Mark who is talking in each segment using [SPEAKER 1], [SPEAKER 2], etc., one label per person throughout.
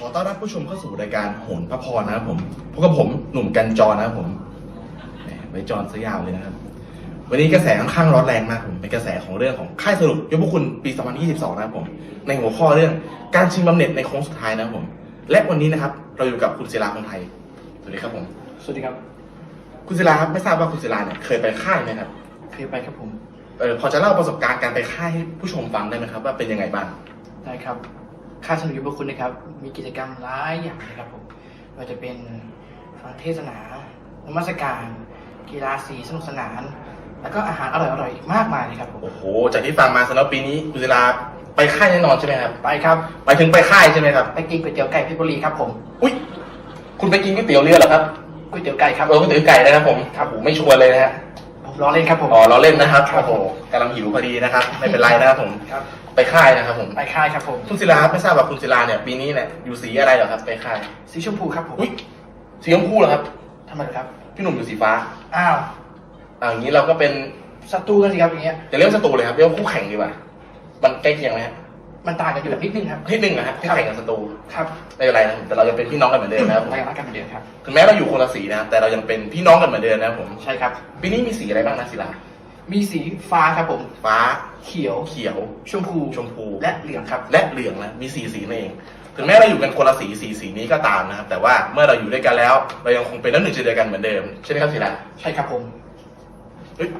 [SPEAKER 1] อต้อนรับผู้ชมเข้าสู่รายการโหนพระพรนะครับผมพบกับผมหนุ่มกันจรนะครับผมไว้จรซะยาวเลยนะครับวันนี้กระแสค่อนข้างร้อนแรงมากผมเป็นกระแสของเรื่องของค่ายสรุปยกพวกคุณปี 2022 นะครับผมในหัวข้อเรื่องการชิงบำเหน็จในโค้งสุดท้ายนะครับผมและวันนี้นะครับเราอยู่กับคุณศิลาคงไทยสวัสดีครับผม
[SPEAKER 2] สวัสดีครับ
[SPEAKER 1] คุณศิลาครับไม่ทราบว่าคุณศิลาเนี่ยเคยไปค่ายไหมครับ
[SPEAKER 2] เคยไปครับผม
[SPEAKER 1] พอจะเล่าประสบการณ์การไปค่ายให้ผู้ชมฟังได้ไหมครับว่าเป็นยังไงบ้าง
[SPEAKER 2] ได้ครับค่ายสนุกยุบคุณนะครับมีกิจกรรมหลายอย่างนะครับผมเราจะเป็นฟังเทศนานมัสการกีฬาสีสนุกสนานแล้วก็อาหารอร่อยๆอีกมากมายเลยครับผม
[SPEAKER 1] โอ้โหจากที่ฟังมาสำหรับปีนี้คุณศิลาไปค่ายแน่นอนใช่ไหมครับ
[SPEAKER 2] ไปครับ
[SPEAKER 1] ไปถึงไปค่ายใช่ไหมครับ
[SPEAKER 2] ไปกินก๋วยเตี๋ยวไก่เพชรบุรีครับผม
[SPEAKER 1] อุ้ยคุณไปกินก๋วยเตี๋ยวเรือเหรอครับ
[SPEAKER 2] ก๋วยเตี๋ยวไก่ครับ
[SPEAKER 1] ก๋วยเตี๋ยวไก่นะครับผมครับผมไม่ชวนเลยนะฮะ
[SPEAKER 2] ผมล้อเล่นครับผม
[SPEAKER 1] อ๋อล้อเล่นนะครับโอ้โหกำลังหิวพอดีนะครับไม่เป็นไรนะครับผม
[SPEAKER 2] ครับ
[SPEAKER 1] ไปค่ายนะครับผม
[SPEAKER 2] ไปค่ายครับผม
[SPEAKER 1] คุณศิลาไม่ทราบว่าคุณศิลาเนี่ยปีนี้เนี่ยอยู่สีอะไรเหรอครับไปค่าย
[SPEAKER 2] สีชมพูครับผม
[SPEAKER 1] อุ้ยสีชมพูเหรอครับ
[SPEAKER 2] ทำไมครับ
[SPEAKER 1] พี่หนุ่มอยู่สีฟ้า
[SPEAKER 2] อ้าว
[SPEAKER 1] อย่างนี้เราก็เป็น
[SPEAKER 2] ศัตรูกันสิครับอย่างเงี้ย
[SPEAKER 1] อย่าเรียกศัตรูเลยครับเรียกว่าคู่แข่งดีกว่ามันใกล้เคียงไหมฮะ
[SPEAKER 2] มันต่างกันอยู่นิดนึงครับ
[SPEAKER 1] นิดนึงนะฮะคู่แข่งกับศัตรู
[SPEAKER 2] ครับ
[SPEAKER 1] ไม่เป็นไรนะแต่เราจะเป็นพี่น้องกันเหมือนเดิมนะครับ
[SPEAKER 2] เรายังรักกันเหมือนเดิมครับ
[SPEAKER 1] ถึงแม้เราอยู่คนละสีนะแต่เรายังเป็นพี่น้องกันเหมือนเดิมนะครับผม
[SPEAKER 2] ใช่ครับ
[SPEAKER 1] ปีนี้มีสีอะไรบ้างนะศิลา
[SPEAKER 2] มีสีฟ้าครับผม
[SPEAKER 1] ฟ้า
[SPEAKER 2] เขียวชมพูและเหลืองครับ
[SPEAKER 1] และเหลืองนะมี4 สีนั่นเองถึงแม้เราอยู่กันคนละสีนี้ก็ตามนะครับแต่ว่าเมื่อเราอยู่ด้วยกันแล้วเรายังคงเป็นน้ำหนึ่งใจเดียวกันเหมือนเดิมใช่ไหมครับศิลา
[SPEAKER 2] ใช่ครับผม
[SPEAKER 1] เฮ้ย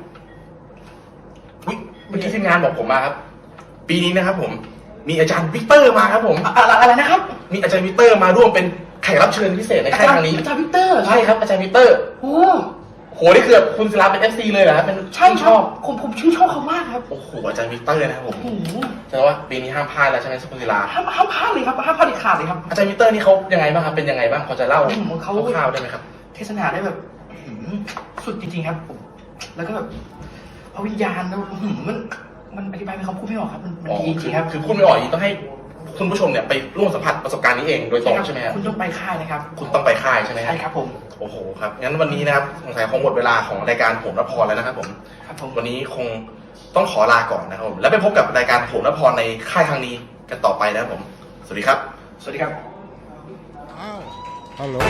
[SPEAKER 1] เมื่อกี้ทีมงานบอกผมมาครับปีนี้นะครับผมมีอาจารย์วิกเตอร์มาครับผม
[SPEAKER 2] อะไรนะครับ
[SPEAKER 1] มีอาจารย์วิกเตอร์มาร่วมเป็นแขกรับเชิญพิเศษในค่ายครั้งนี้
[SPEAKER 2] อาจารย์วิกเตอร์
[SPEAKER 1] ใช่ครับอาจารย์วิกเตอร์
[SPEAKER 2] โอ้
[SPEAKER 1] โหนี่คือคุณศิลาเป็น FC เลยเหรอครับเป็น
[SPEAKER 2] ใช่ชอบผมชื่นชอบเขามากครับ
[SPEAKER 1] โอ้โหอาจารย์วิกเตอร์นะครับผมแสดงว่าปีนี้ห้ามพลาดแล้วใช่ไหมคุณศิลา
[SPEAKER 2] ห้ามพลาดเลยครับห้ามพลาดเด็ดขาดเลยครับ
[SPEAKER 1] อาจารย์วิกเตอร์นี่เขายังไงบ้างครับเป็นยังไงบ้างพอจะเล่า
[SPEAKER 2] เขา
[SPEAKER 1] คร่าวๆได้ไหมครับ
[SPEAKER 2] เทศนาได้แบบสุดจริงๆครับผมแล้วก็แบบเอาวิญญาณแล้วมันอธิบายเป็นคำพูดไม่ออกครับมันดีจริงครับ
[SPEAKER 1] คือพูดไม่ออกต้องให้คุณผู้ชมเนี่ยไปร่วมสัมผัสประสบการณ์นี้เองโดยตรงใช่ไหมครับ
[SPEAKER 2] คุณต้องไปค่ายนะครับ
[SPEAKER 1] คุณต้องไปค่ายใช่ไหม
[SPEAKER 2] ใช่ครับผม
[SPEAKER 1] โอ้โหครับงั้นวันนี้นะครับสงสัยคงหมดเวลาของรายการโหนพรแล้วนะครับผมวันนี้คงต้องขอลาก่อนนะครับผมแล้วไปพบกับรายการโหนพรในค่ายครั้งนี้กันต่อไปนะครับผมสวัสดีครับ
[SPEAKER 2] สวัสดีครับ
[SPEAKER 3] อ้าวฮัลโหล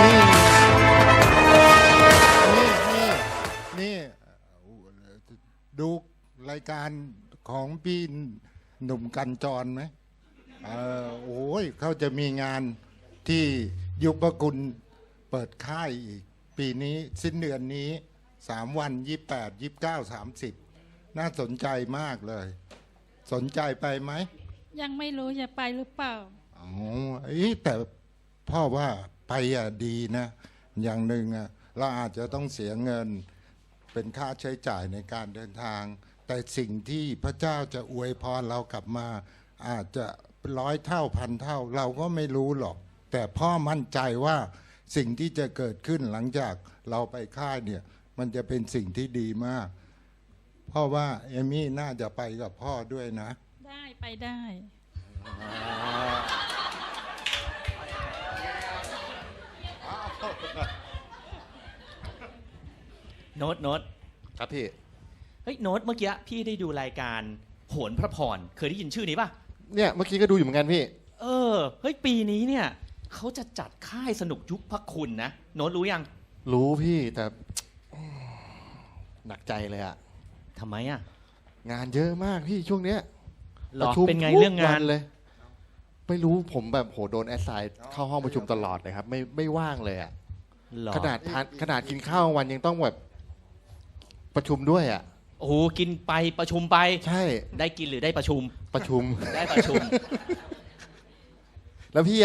[SPEAKER 3] นี่ดูรายการของพี่หนุ่มกันจรไหมโอ้ยเขาจะมีงานที่ยุพกุลเปิดค่ายอีกปีนี้สิ้นเดือนนี้3 วัน28 29 30น่าสนใจมากเลยสนใจไปไหม
[SPEAKER 4] ยังไม่รู้จะไปหรือเปล่า
[SPEAKER 3] อ๋อแต่พ่อว่าไปดีนะอย่างหนึ่งเราอาจจะต้องเสียเงินเป็นค่าใช้จ่ายในการเดินทางแต่สิ่งที่พระเจ้าจะอวยพรเรากลับมาอาจจะ100 เท่า1,000 เท่าเราก็ไม่รู้หรอกแต่พ่อมั่นใจว่าสิ่งที่จะเกิดขึ้นหลังจากเราไปค่ายเนี่ยมันจะเป็นสิ่งที่ดีมากพ่อว่าเอมี่น่าจะไปกับพ่อด้วยนะ
[SPEAKER 4] ได้ไปได้
[SPEAKER 5] โน้ต
[SPEAKER 6] ครับพี่
[SPEAKER 5] เฮ้ยโน้ตเมื่อกี้พี่ได้ดูรายการโหนพระพรเคยได้ยินชื่อนี้ป่ะ
[SPEAKER 6] เนี่ยเมื่อกี้ก็ดูอยู่เหมือนกันพี่
[SPEAKER 5] เฮ้ยปีนี้เนี่ยเขาจะจัดค่ายสนุกยุคพระคุณนะโน้ตรู้ยัง
[SPEAKER 6] รู้พี่แต่หนักใจเลยอะ
[SPEAKER 5] ทำไม
[SPEAKER 6] งานเยอะมากพี่ช่วงเนี้ย
[SPEAKER 5] ประชุมเป็นไงเรื่องงาน
[SPEAKER 6] เลยไม่รู้ผมแบบโหโดนแอสไซน์เข้าห้องประชุมตลอดเลยครับไม่ว่างเลยอะขนาดกินข้าววันยังต้องแบบประชุมด้วย
[SPEAKER 5] โอ้โหกินไปประชุมไป
[SPEAKER 6] ใช่
[SPEAKER 5] ได้กินหรือได้ประชุมได้ประชุม
[SPEAKER 6] แล้วพี่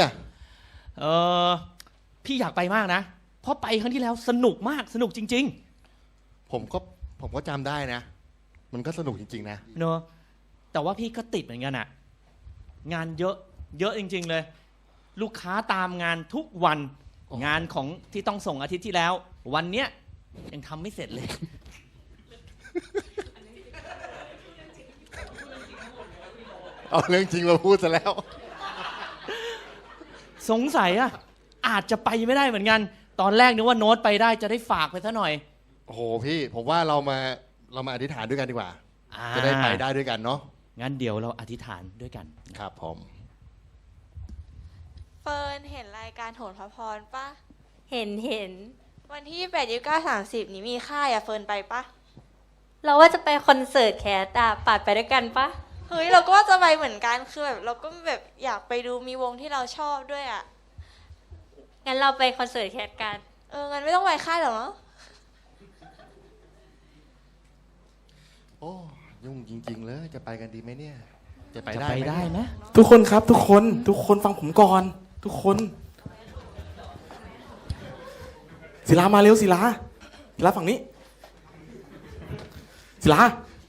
[SPEAKER 5] พี่อยากไปมากนะเพราะไปครั้งที่แล้วสนุกมากสนุกจริง
[SPEAKER 6] ๆผมก็จำได้นะมันก็สนุกจริงๆนะ
[SPEAKER 5] เนอะแต่ว่าพี่ก็ติดเหมือนกันงานเยอะจริงๆเลยลูกค้าตามงานทุกวันงานของที่ต้องส่งอาทิตย์ที่แล้ววันเนี้ยยังทำไม่เสร็จเลย
[SPEAKER 6] เอาเรื่องจริงมาพูดซะแล้ว
[SPEAKER 5] สงสัยอาจจะไปไม่ได้เหมือนกันตอนแรกนึกว่าโน้ตไปได้จะได้ฝากไปซะหน่อย
[SPEAKER 6] โอ้โหพี่ผมว่าเรามาอธิษฐานด้วยกันดีกว่าจะได้ไปได้ด้วยกันเนาะ
[SPEAKER 5] งั้นเดี๋ยวเราอธิษฐานด้วยกัน
[SPEAKER 6] ครับผม
[SPEAKER 7] เฟิร์นเห็นรายการโหนพระพรปะ
[SPEAKER 8] เห็น
[SPEAKER 7] วันที่28 29 30นี้มีค่ายอะเฟิร์นไปปะ
[SPEAKER 8] เราว่าจะไปคอนเสิร์ตแคสอะปาดไปด้วยกันปะ
[SPEAKER 7] เฮ้ยเราก็ว่าจะไปเหมือนกันคือแบบเราก็แบบอยากไปดูมีวงที่เราชอบด้วยอะ
[SPEAKER 8] งั้นเราไปคอนเสิร์ตแคสกัน
[SPEAKER 7] งั้นไม่ต้องไปค่ายหรอกเนาะ
[SPEAKER 6] โอ้ยุ่งจริง ๆ เลย จะไปกันดีไหมเนี่ย จะไป
[SPEAKER 5] จะ
[SPEAKER 6] ได้
[SPEAKER 5] ไป
[SPEAKER 6] ไหม
[SPEAKER 5] ได้
[SPEAKER 6] เนี่ย
[SPEAKER 5] ไหม
[SPEAKER 9] ทุกคนครับทุกคนฟังผมก่อน ทุกคนศิลามาเร็วศิลาฝั่งนี้ศิลา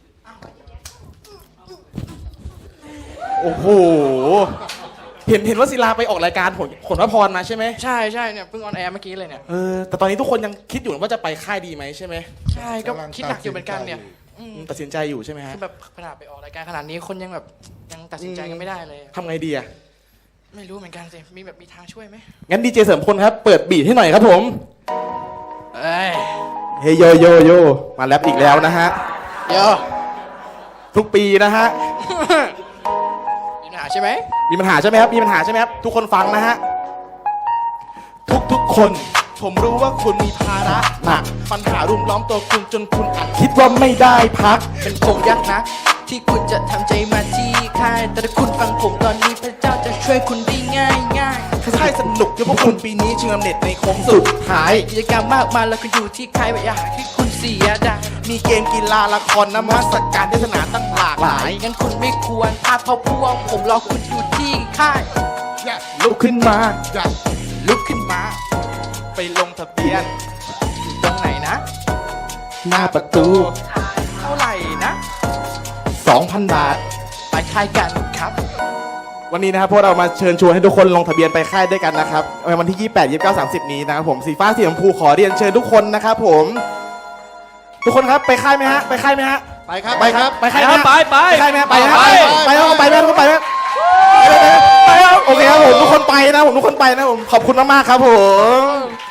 [SPEAKER 9] โอ้โหเห็นว่าศิลาไปออกรายการผลพระพรมาใช่ไหม
[SPEAKER 2] ใช่เนี่ยเพิ่งออนแอร์เมื่อกี้เลยเนี่ย
[SPEAKER 9] แต่ตอนนี้ทุกคนยังคิดอยู่ว่าจะไปค่ายดีไหมใช่ไหม
[SPEAKER 2] ใช่ก็คิดหนักอยู่เหมือนกันเนี่ย
[SPEAKER 9] ตัดสินใจอยู่ใช่ไหมฮะ
[SPEAKER 2] คือแบบขนาดไปออกรายการขนาดนี้คนยังแบบยังตัดสินใจกันไม่ได้เลย
[SPEAKER 9] ทำไงดีอะ
[SPEAKER 2] ไม่รู้เหมือนกันสิมีทางช่วยไหม
[SPEAKER 9] งั้นดีเจเสริมพลครับเปิดบีทให้หน่อยครับผม
[SPEAKER 2] เอ้ย
[SPEAKER 9] เฮยโยมาแรปอีกแล้วนะฮะ
[SPEAKER 2] เดี๋ยว
[SPEAKER 9] ทุกปีนะฮะ
[SPEAKER 2] มีปัญหาใช่ไหม
[SPEAKER 9] มีปัญหาใช่ไหมครับ มีปัญหาใช่ไหมครับ ทุกคนฟังนะฮะ ทุกคน ผมรู้ว่าคุณมีภาระหนัก ปัญหารุมล้อมตัวคุณจนคุณอาจคิดว่าไม่ได้พัก
[SPEAKER 2] เป็นคงยากนัก ที่คุณจะทำใจมาที่ค่ายแต่ถ้าคุณฟังผมตอนนี้พระเจ้าจะช่วยคุณได้ง่าย
[SPEAKER 9] ค่ายสนุกเยอะพวกคุณปีนี้ชิงลำเน็ตในโค้งสุดท้าย
[SPEAKER 2] กิจกรรมมากมายแล้วคุณอยู่ที่ค่ายอย่าหาที่คุณเสียดาย
[SPEAKER 9] มีเกมกีฬาละครนมัสการเทศนาตั้งหลากหลาย
[SPEAKER 2] งั้นคุณไม่ควรพาเพราะพวกผมรอคุณอยู่ที่ค่าย
[SPEAKER 9] ลุกขึ้นมา
[SPEAKER 2] ลุกขึ้นมา
[SPEAKER 9] ไปลงทะเบียน
[SPEAKER 2] อยู่ตรงไหนนะ
[SPEAKER 9] หน้าประตู
[SPEAKER 2] เท่าไหร่นะ
[SPEAKER 9] 2,000 บาท
[SPEAKER 2] ไปค่ายกันครับ
[SPEAKER 9] วันนี้นะครับพวกเรามาเชิญชวนให้ทุกคนลงทะเบียนไปค่ายด้วยกันนะครับในวันที่ 28 29 30 นี้นะครับผมสีฟ้าสีชมพูขอเรียนเชิญทุกคนนะครับผม ทุกคนครับไปค่ายไหมฮะ ไปค่ายไหมฮะ
[SPEAKER 6] ไปครับ
[SPEAKER 9] ไปครับ ไปค่ายไหมฮะ
[SPEAKER 5] ไป
[SPEAKER 9] ไปค่ายไหมฮะไปฮะ
[SPEAKER 5] ไป
[SPEAKER 9] ไปแล้วไปแล้วทุกคนไปไหมไปแล้วโอเคครับผมทุกคนไปนะผมทุกคนไปนะผมขอบคุณมากๆครับผม